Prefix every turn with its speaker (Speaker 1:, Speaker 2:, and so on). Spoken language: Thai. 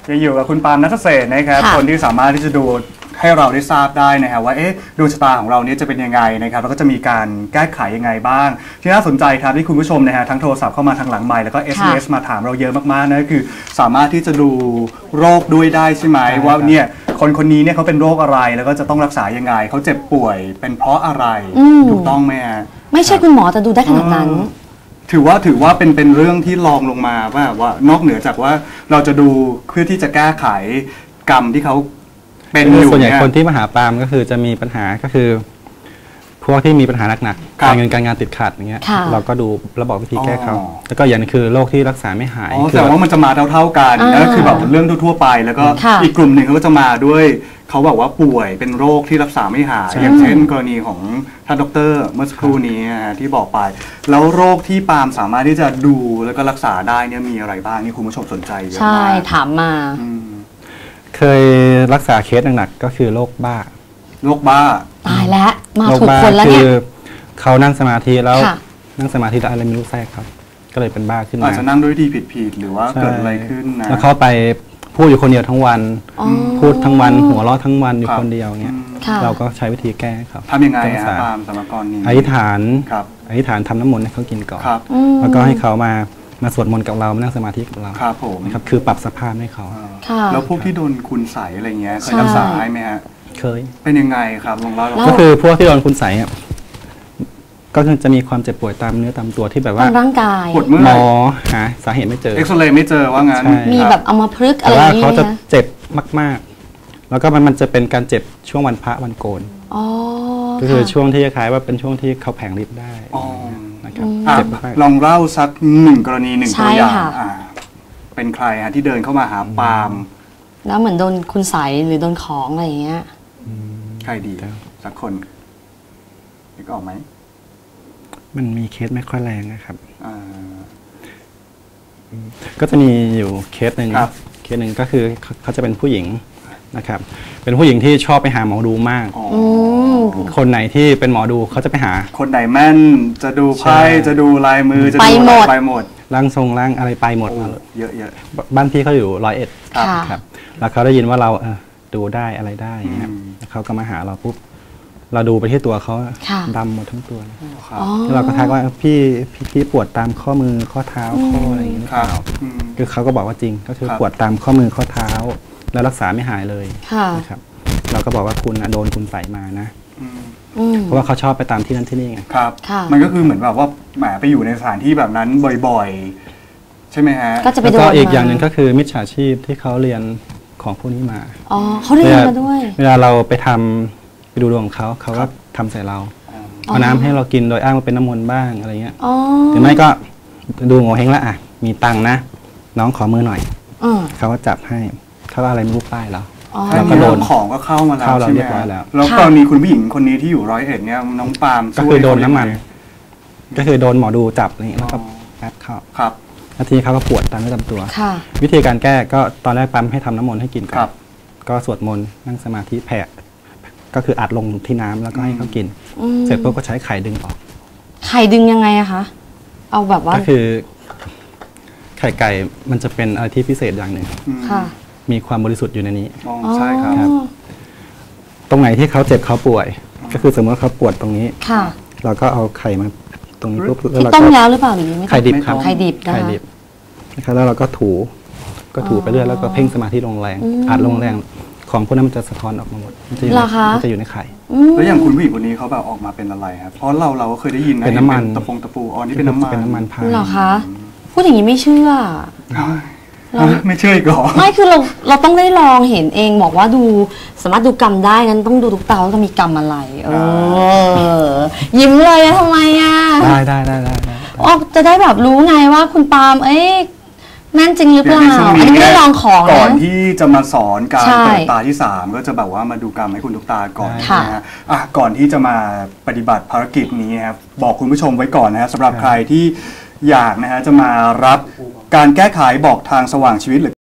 Speaker 1: จะอยู่กับคุณปาล์มณัฐเศรษฐ์นะครับคนที่สามารถที่จะดูให้เราได้ทราบได้นะครับว่าดวงชะตาของเรานี้จะเป็นยังไงนะครับแล้วก็จะมีการแก้ไขยังไงบ้างที่น่าสนใจครับที่คุณผู้ชมนะฮะทั้งโทรศัพท์เข้ามาทางหลังไมค์แล้วก็ SMS มาถามเราเยอะมากๆนะคือสามารถที่จะดูโรคด้วยได้ใช่ไหมว่าเนี่ยคนนี้เนี่ยเขาเป็นโรคอะไรแล้วก็จะต้องรักษายังไงเขาเจ็บป่วยเป็นเพราะอะไรถูกต้องไหมฮะ
Speaker 2: ไม่ใช่คุณหมอแต่ดูได้ขนาดนั้น
Speaker 1: ถือว่าเป็นเรื่องที่รองลงมาว่านอกเหนือจากว่าเราจะดูเพื่อที่จะแก้ไขกรรมที่เขาเป็นอยู่ส่
Speaker 3: วนใหญ่คนที่มาหาปาล์มก็คือจะมีปัญหาก็คือพวกที่มีปัญหาหนักๆการเงินการงานติดขัดอย่างเงี้ยเราก็ดูระบอกวิธีแก้เขาแล้วก็อย่างนึงคือโรคที่รักษาไม่หาย
Speaker 1: แต่ว่ามันจะมาเท่ากันนั่นคือแบบเรื่องทั่วไปแล้วก็อีกกลุ่มหนึ่งเขาก็จะมาด้วยเขาบอกว่าป่วยเป็นโรคที่รักษาไม่หายอย่างเช่นกรณีของท่านดร.เมื่อสักครู่นี้ที่บอกไปแล้วโรคที่ปาล์มสามารถที่จะดูแล้วก็รักษาได้เนี่ยมีอะไรบ้างนี่คุณผู้ชมสนใจเยอะมาก
Speaker 2: ใช่ถามมา
Speaker 3: เคยรักษาเคสหนักๆก็คือโรคบ้า
Speaker 2: ตายแล้วมาถูกคนแล้วเนี่ย
Speaker 3: เขานั่งสมาธิแล้วอะไรไม่รู้แทรกครับก็เลยเป็นบ้าขึ้นมา
Speaker 1: อาจจะนั่งด้วยวิธีผิดหรือว่าเกิดอะไรขึ้นนะ
Speaker 3: แล้วเขาไปพูดอยู่คนเดียวทั้งวันพูดทั้งวันหัวเราะทั้งวันอยู่คนเดียวเงี้ยเราก็ใช้วิธีแก้ครับ
Speaker 1: ทำยังไงครับตามสมการนี้
Speaker 3: อธิษฐานทำน้ำมนต์ให้เขากินก่อนแล้วก็ให้เขามาสวดมนต์กับเรามานั่งสมาธิกับเรา
Speaker 1: ครับผม
Speaker 3: นะครับคือปรับสภาพให้เขา
Speaker 1: แล้วพวกที่โดนคุณใสอะไรเงี้ยเคยรักษาไหมฮะ
Speaker 3: เคย
Speaker 1: เป็นยังไงครับลองเล่า
Speaker 3: ก็คือพวกที่โดนคุณใสก็จะมีความเจ็บป่วยตามเนื้อตามตัวที่แบบว่า
Speaker 2: ร่างกาย
Speaker 1: ปวดเมื่อย
Speaker 3: หมอหาสาเหตุไม่เจอ
Speaker 1: เอ็กซเรย์ไม่เจอว่างั้น
Speaker 2: มีแบบเอามาพลึกอะไร
Speaker 3: อย่างเงี้ยแต่ว่าเขาจะเจ็บมากๆแล้วก็มันจะเป็นการเจ็บช่วงวันพระวันโกนก็คือช่วงที่คล้ายว่าเป็นช่วงที่เขาแผงฤทธิ์ได้
Speaker 1: ลองเล่าสักหนึ่งกรณีหนึ่งตัวอย่างเป็นใครฮะที่เดินเข้ามาหาปาล์ม
Speaker 2: แล้วเหมือนโดนคุณใสหรือโดนของอะไรอย่างเงี้ย
Speaker 1: ใครดีสักคนนึกออกไหม
Speaker 3: มันมีเคสไม่ค่อยแรงนะครับก็จะมีอยู่เคสหนึ่งก็คือเขาจะเป็นผู้หญิงนะครับเป็นผู้หญิงที่ชอบไปหาหมอดูมากคนไหนที่เป็นหมอดูเขาจะไปหา
Speaker 1: คนไหนแม่นจะดูไพ่จะดูลายมือจะดูไปหมด
Speaker 3: ร่างทรงร่างอะไรไปหมด
Speaker 1: เยอะ
Speaker 3: บ้านพี่เขาอยู่101ครับแล้วเขาได้ยินว่าเราดูได้อะไรได้ครับเขาก็มาหาเราปุ๊บเราดูไปที่ตัวเขาดำหมดทั้งตัวแล้วเราก็ทักว่าพี่ปวดตามข้อมือข้อเท้าข้ออะไรอย่างนี้คือเขาก็บอกว่าจริงก็คือปวดตามข้อมือข้อเท้าแล้วรักษาไม่หายเลยนะครับเราก็บอกว่าคุณโดนคุณใส่มานะเพราะว่าเขาชอบไปตามที่นั่นที่นี่ไง
Speaker 1: ครับมันก็คือเหมือนแบบว่าแหมไปอยู่ในสถานที่แบบนั้นบ่อยๆใช่ไหมฮะ
Speaker 3: แล้วก็อีกอย่างหนึ่งก็คือมิจฉาชีพที่เขาเรียนของพวกนี้มา
Speaker 2: เขาเรียนมาด้วย
Speaker 3: เวลาเราไปดูดวงของเขาก็ทำใส่เราเอาน้ำให้เรากินโดยอ้างว่าเป็นน้ำมนต์บ้างอะไรเงี้ยหรือไม่ก็ดูโง่เฮงละมีตังนะน้องขอมือหน่อยเขาก็จับให้เขาอะไรไม่รู้ป้ายเรา
Speaker 1: แล้วก็โดนของก็เข้ามาแล้ว
Speaker 3: ใช่ไหม
Speaker 1: แล้วก็มีคุณผู้หญิงคนนี้ที่อยู่101เนี่ยน้องปาล์ม
Speaker 3: ก็คือโดนน้ำมันก็คือโดนหมอดูจับนี่แล้วก็แอบเข้านาทีเขาก็ปวดตามเนื้อตามตัววิธีการแก้ก็ตอนแรกปั๊มให้ทำน้ำมนต์ให้กินก่อนก็สวดมนต์นั่งสมาธิแผ่ก็คืออัดลงที่น้ำแล้วก็ให้เขากินเสร็จปุ๊บก็ใช้ไข่ดึงออก
Speaker 2: ไข่ดึงยังไงอะคะเอาแบบว่า
Speaker 3: ก็คือไข่ไก่มันจะเป็นอะไรที่พิเศษอย่างหนึ่งมีความบริสุทธิ์อยู่ในนี้
Speaker 1: ใช่ครับ
Speaker 3: ตรงไหนที่เขาเจ็บเขาป่วยก็คือสมมติเขาปวดตรงนี้เราก็เอาไข่มาตรงนี้ปุ๊บ
Speaker 2: แล้วเราต้มแล้วหรือเปล่าหรือไม่
Speaker 3: ไข่ดิบครับ
Speaker 2: ไข่ดิบ
Speaker 3: นะครับแล้วเราก็ถูไปเรื่อยแล้วก็เพ่งสมาธิลงแรงอัดลงแรงของพวกนั้นมันจะสะท้อนออกมาหมดมันจะอยู่ในไข่
Speaker 1: แล้วอย่างคุณผู้หญิงคนนี้เขาแบบออกมาเป็นอะไรครับเพราะเราก็เคยได้ยินนะ
Speaker 3: เป็นน้ำมัน
Speaker 1: ตะปูนี่เป็นน้ำมัน
Speaker 3: พาย
Speaker 2: เหรอคะพูดอย่างนี้ไม่เชื่อ
Speaker 1: ไม่เชื่ออีกหรอ
Speaker 2: ไม่คือเราต้องได้ลองเห็นเองบอกว่าดูสามารถดูกรรมได้งั้นต้องดูทุกตาว่ามีกรรมอะไรยิ้มเลยทำไม
Speaker 3: ได้
Speaker 2: จะได้แบบรู้ไงว่าคุณปาล์มแม่นจริงหรือเปล่าอันนี้ไม่ได้ลองของ
Speaker 1: ก่อนที่จะมาสอนการเปิดตาที่3ก็จะแบบว่ามาดูกรรมให้คุณทุกตาก่อนนะฮะก่อนที่จะมาปฏิบัติภารกิจนี้ครับบอกคุณผู้ชมไว้ก่อนนะฮะสำหรับใครที่อยากนะฮะจะมารับการแก้ไขบอกทางสว่างชีวิตหรือ